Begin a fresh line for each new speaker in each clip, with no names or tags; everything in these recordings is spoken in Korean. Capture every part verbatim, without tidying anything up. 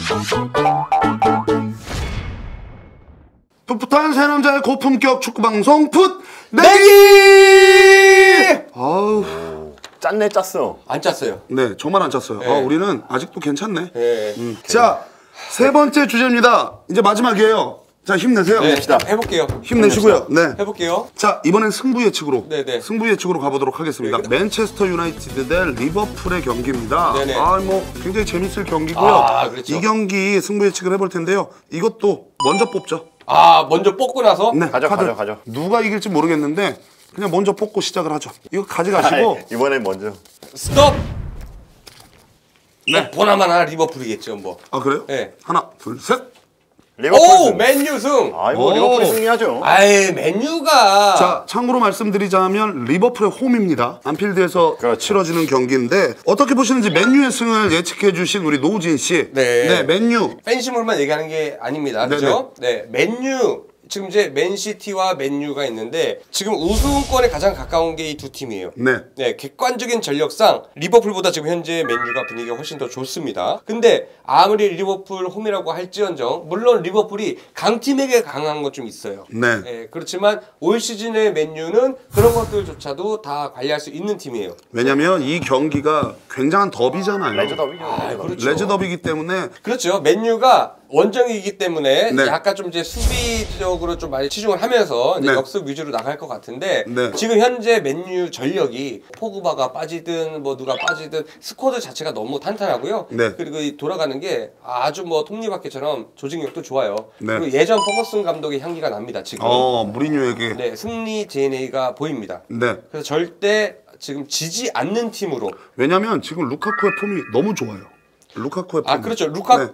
풋풋한 새 남자의 고품격 축구 방송 풋 내기. 아우
짰네 짰어.
안 짰어요.
네 정말 안 짰어요.
네.
아, 우리는 아직도 괜찮네.
네.
음. 자 세 번째 주제입니다. 이제 마지막이에요. 자 힘내세요.
네, 해볼게요.
힘내시고요. 네.
해볼게요.
자 이번엔 승부 예측으로.
네네.
승부 예측으로 가보도록 하겠습니다.
네.
맨체스터 유나이티드 대 리버풀의 경기입니다.
네네.
아 뭐 굉장히 재밌을 경기고요.
아, 그렇죠.
이 경기 승부 예측을 해볼 텐데요. 이것도 먼저 뽑죠.
아 먼저 뽑고 나서.
네,
가져,
카드.
가져, 가져.
누가 이길지 모르겠는데 그냥 먼저 뽑고 시작을 하죠. 이거 가져가시고.
아이, 이번엔 먼저.
스톱.
네.
네. 보나마나 리버풀이겠죠 뭐.
아 그래요?
네.
하나, 둘, 셋.
리버풀
오
승.
맨유 승.
아이고
오.
리버풀이 승리하죠.
아이 맨유가.
자, 참고로 말씀드리자면 리버풀의 홈입니다. 안필드에서
그렇죠.
치러지는 경기인데 어떻게 보시는지 맨유의 승을 예측해 주신 우리 노우진 씨.
네.
네, 맨유.
팬심으로만 얘기하는 게 아닙니다. 그죠? 네. 맨유. 지금 이제 맨시티와 맨유가 있는데 지금 우승권에 가장 가까운 게 이 두 팀이에요.
네.
네, 객관적인 전력상 리버풀보다 지금 현재 맨유가 분위기가 훨씬 더 좋습니다. 근데 아무리 리버풀 홈이라고 할지언정 물론 리버풀이 강팀에게 강한 것 좀 있어요.
네.
네, 그렇지만 올 시즌의 맨유는 그런 것들조차도 다 관리할 수 있는 팀이에요.
왜냐면 이 경기가 굉장한 더비잖아요.
레저 더비죠.
아, 그렇죠.
레저 더비기 때문에
그렇죠. 맨유가 원정이기 때문에
네.
약간 좀 이제 수비적으로 좀 많이 치중을 하면서 이제
네.
역습 위주로 나갈 것 같은데
네.
지금 현재 맨유 전력이 포그바가 빠지든 뭐 누가 빠지든 스쿼드 자체가 너무 탄탄하고요.
네.
그리고 이 돌아가는 게 아주 뭐 톱니바퀴처럼 조직력도 좋아요.
네.
그리고 예전 퍼거슨 감독의 향기가 납니다. 지금.
어, 무리뉴에게.
네, 승리 디엔에이가 보입니다.
네.
그래서 절대 지금 지지 않는 팀으로.
왜냐면 지금 루카쿠의 폼이 너무 좋아요. 루카쿠의 폼.
아 그렇죠.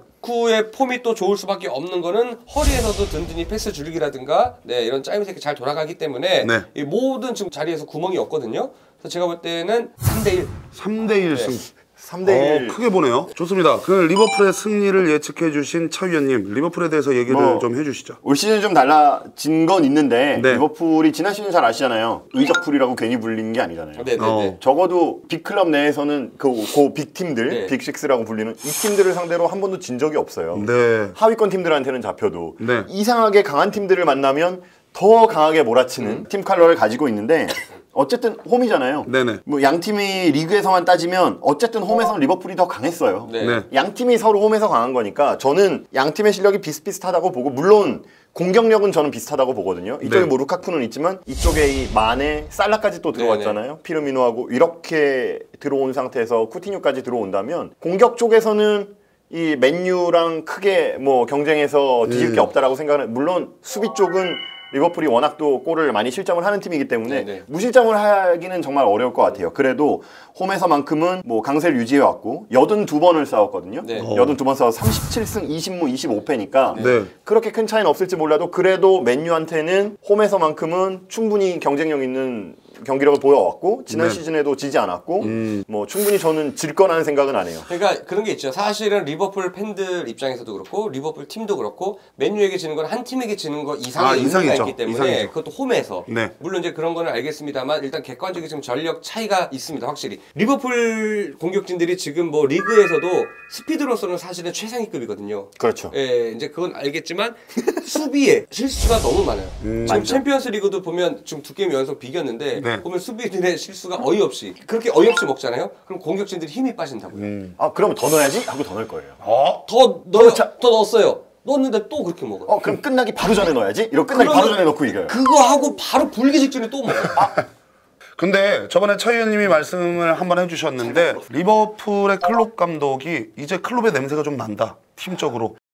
루카쿠의 폼이 또 좋을 수밖에 없는 거는 허리에서도 든든히 패스 줄기라든가 네 이런 짜임새끼 잘 돌아가기 때문에
네.
이 모든 지금 자리에서 구멍이 없거든요. 그래서 제가 볼 때는 삼 대 일.
삼 대 일 승.
삼 대 일.
어, 크게 보네요. 좋습니다. 그 리버풀의 승리를 예측해 주신 차 위원님, 리버풀에 대해서 얘기를
뭐,
좀 해주시죠.
올 시즌 좀 달라진 건 있는데
네.
리버풀이 지난 시즌 잘 아시잖아요. 의적풀이라고 괜히 불리는 게 아니잖아요.
네네네.
어.
적어도 빅클럽 내에서는 그, 그 빅팀들,
네.
빅식스라고 불리는 이 팀들을 상대로 한 번도 진 적이 없어요.
네.
하위권 팀들한테는 잡혀도
네.
이상하게 강한 팀들을 만나면 더 강하게 몰아치는
음.
팀 컬러를 가지고 있는데 어쨌든 홈이잖아요.
네네.
뭐 양 팀이 리그에서만 따지면 어쨌든 홈에서는 리버풀이 더 강했어요.
네.
네.
양 팀이 서로 홈에서 강한 거니까 저는 양 팀의 실력이 비슷비슷하다고 보고 물론 공격력은 저는 비슷하다고 보거든요. 이쪽에
네.
뭐 루카쿠는 있지만 이쪽에 이 마네, 살라까지 또 들어왔잖아요. 피르미노하고 이렇게 들어온 상태에서 쿠티뉴까지 들어온다면 공격 쪽에서는 이 맨유랑 크게 뭐 경쟁해서 뒤질 게
음.
없다라고 생각하는 물론 수비 쪽은 리버풀이 워낙 또 골을 많이 실점을 하는 팀이기 때문에
네네.
무실점을 하기는 정말 어려울 것 같아요. 그래도 홈에서만큼은 뭐 강세를 유지해왔고 여든두 번을 싸웠거든요.
네.
어.
여든두 번 싸워 삼십칠 승 이십 무 이십오 패니까
네.
그렇게 큰 차이는 없을지 몰라도 그래도 맨유한테는 홈에서만큼은 충분히 경쟁력 있는 경기력을 보여왔고 지난
네.
시즌에도 지지 않았고
음.
뭐 충분히 저는 질 거라는 생각은 안 해요.
그러니까 그런 게 있죠. 사실은 리버풀 팬들 입장에서도 그렇고 리버풀 팀도 그렇고 맨유에게 지는 건 한 팀에게 지는 거 이상의
아,
의미가
이상이죠.
있기 때문에
이상이죠.
그것도 홈에서
네.
물론 이제 그런 거는 알겠습니다만 일단 객관적인 지금 전력 차이가 있습니다. 확실히 리버풀 공격진들이 지금 뭐 리그에서도 스피드로서는 사실은 최상위급이거든요.
그렇죠.
예, 이제 그건 알겠지만 수비에 실수가 너무 많아요.
음,
지금
맞죠.
챔피언스 리그도 보면 지금 두 게임 연속 비겼는데
네.
보면 수비들의 실수가 어이없이 그렇게 어이없이 먹잖아요. 그럼 공격진들이 힘이 빠진다고요.
음.
아 그러면 더 넣어야지 하고 더 넣을 거예요.
어?
더 넣어,
그렇죠.
더 넣었어요. 넣었는데 또 그렇게 먹어요.
어 그럼 끝나기 바로 전에 넣어야지. 이러고 끝나기 바로
그러면
전에 넣고 이겨요.
그거 하고 바로 불기 직전에 또 먹어요.
근데 저번에 차 의원님이 말씀을 한번 해주셨는데 리버풀의 클롭 감독이 이제 클롭의 냄새가 좀 난다. 팀적으로.